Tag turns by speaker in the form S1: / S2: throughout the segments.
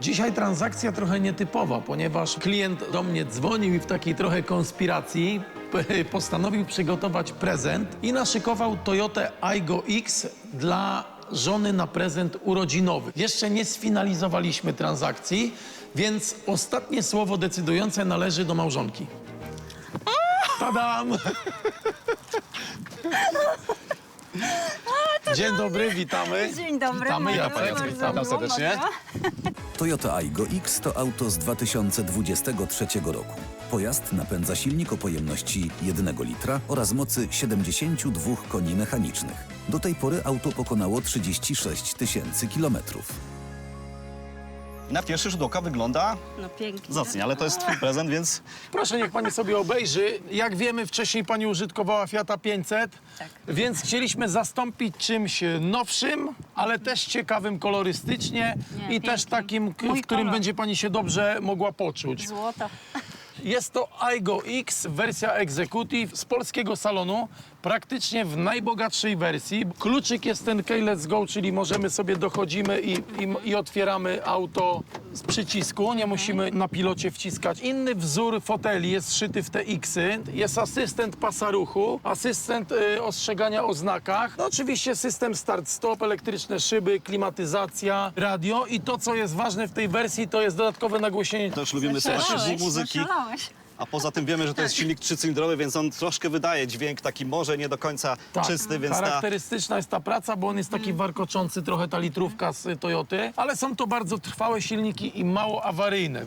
S1: Dzisiaj transakcja trochę nietypowa, ponieważ klient do mnie dzwonił i w takiej trochę konspiracji postanowił przygotować prezent i naszykował Toyotę Aygo X dla żony na prezent urodzinowy. Jeszcze nie sfinalizowaliśmy transakcji, więc ostatnie słowo decydujące należy do małżonki. Tadam! Dzień dobry, witamy.
S2: Dzień dobry,
S1: Witamy, ja
S2: bardzo
S1: witam serdecznie.
S3: Toyota Aygo X to auto z 2023 roku. Pojazd napędza silnik o pojemności 1 litra oraz mocy 72 koni mechanicznych. Do tej pory auto pokonało 36 000 kilometrów.
S4: Na pierwszy rzut oka wygląda
S2: No pięknie.
S4: zacnie, ale to jest twój prezent, więc
S1: Proszę, niech pani sobie obejrzy. Jak wiemy, wcześniej pani użytkowała Fiata 500,
S2: Tak.
S1: więc chcieliśmy zastąpić czymś nowszym, ale też ciekawym kolorystycznie
S2: Nie,
S1: i też
S2: pięknie.
S1: takim, w
S2: Mój
S1: którym
S2: kolor.
S1: będzie pani się dobrze mogła poczuć.
S2: Złoto.
S1: Jest to Aygo X, wersja Executive z polskiego salonu, praktycznie w najbogatszej wersji. Kluczyk jest ten Key Let's Go, czyli możemy sobie dochodzimy i otwieramy auto z przycisku, nie musimy na pilocie wciskać. Inny wzór foteli jest szyty w te X-y. Jest asystent pasa ruchu, asystent ostrzegania o znakach. No oczywiście system start-stop, elektryczne szyby, klimatyzacja, radio i to, co jest ważne w tej wersji, to jest dodatkowe nagłośnienie.
S4: też lubimy słuchać muzyki.
S2: Zaszalałeś.
S4: A poza tym wiemy, że to jest silnik trzycylindrowy, więc on troszkę wydaje dźwięk taki może nie do końca czysty, więc
S1: charakterystyczna jest ta praca, bo on jest taki warkoczący trochę, ta litrówka z Toyoty, ale są to bardzo trwałe silniki i mało awaryjne.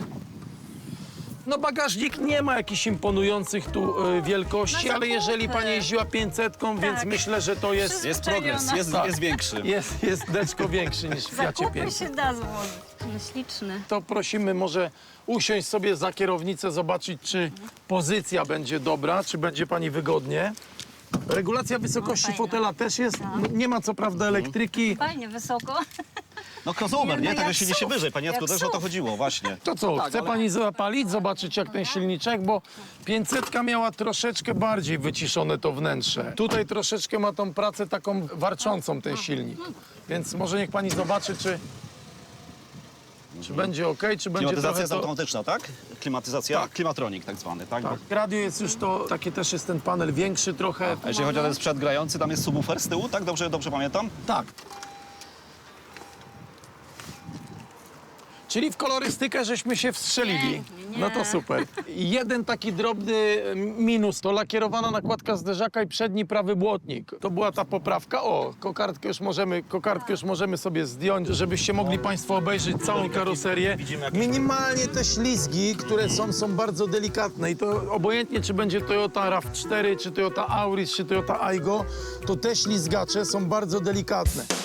S1: No bagażnik nie ma jakichś imponujących tu wielkości,
S2: No
S1: ale jeżeli
S2: zakupy.
S1: pani jeździła 500, więc myślę, że to jest...
S4: jest progres, jest większy.
S1: Jest deczko większy niż w Fiacie
S2: Zakupy
S1: 500.
S2: się da złożyć. No śliczny.
S1: To prosimy może usiąść sobie za kierownicę, zobaczyć, czy pozycja będzie dobra, czy będzie pani wygodnie. Regulacja wysokości
S2: fajna.
S1: fotela też jest. Nie ma co prawda elektryki.
S2: Fajnie, wysoko.
S4: No crossover, nie?
S2: No
S4: Tego
S2: jak
S4: silnik się
S2: SUV.
S4: wyżej. Pani Jacku,
S2: Jak
S4: też o to
S2: SUV.
S4: chodziło, właśnie.
S1: To co, chce pani zapalić, zobaczyć jak ten silniczek, bo 500 miała troszeczkę bardziej wyciszone to wnętrze. Tutaj troszeczkę ma tą pracę taką warczącą ten silnik. Więc może niech pani zobaczy, czy będzie ok, czy będzie
S4: Klimatyzacja
S1: trochę
S4: jest
S1: to...
S4: automatyczna, tak? Klimatyzacja,
S1: Tak.
S4: klimatronik tak zwany, tak?
S1: Tak. Radio jest już to, taki też jest ten panel większy trochę.
S4: A jeśli chodzi o ten sprzęt grający, tam jest subwoofer z tyłu, tak? Dobrze pamiętam?
S1: Tak. Czyli w kolorystykę żeśmy się wstrzelili.
S2: Pięknie,
S1: No to
S2: nie.
S1: super. Jeden taki drobny minus to lakierowana nakładka zderzaka i przedni prawy błotnik. To była ta poprawka. O, kokardkę już możemy sobie zdjąć, żebyście mogli państwo obejrzeć całą karoserię. Minimalnie te ślizgi, które są bardzo delikatne i to obojętnie czy będzie Toyota RAV4, czy Toyota Auris, czy Toyota Aygo, to te ślizgacze są bardzo delikatne.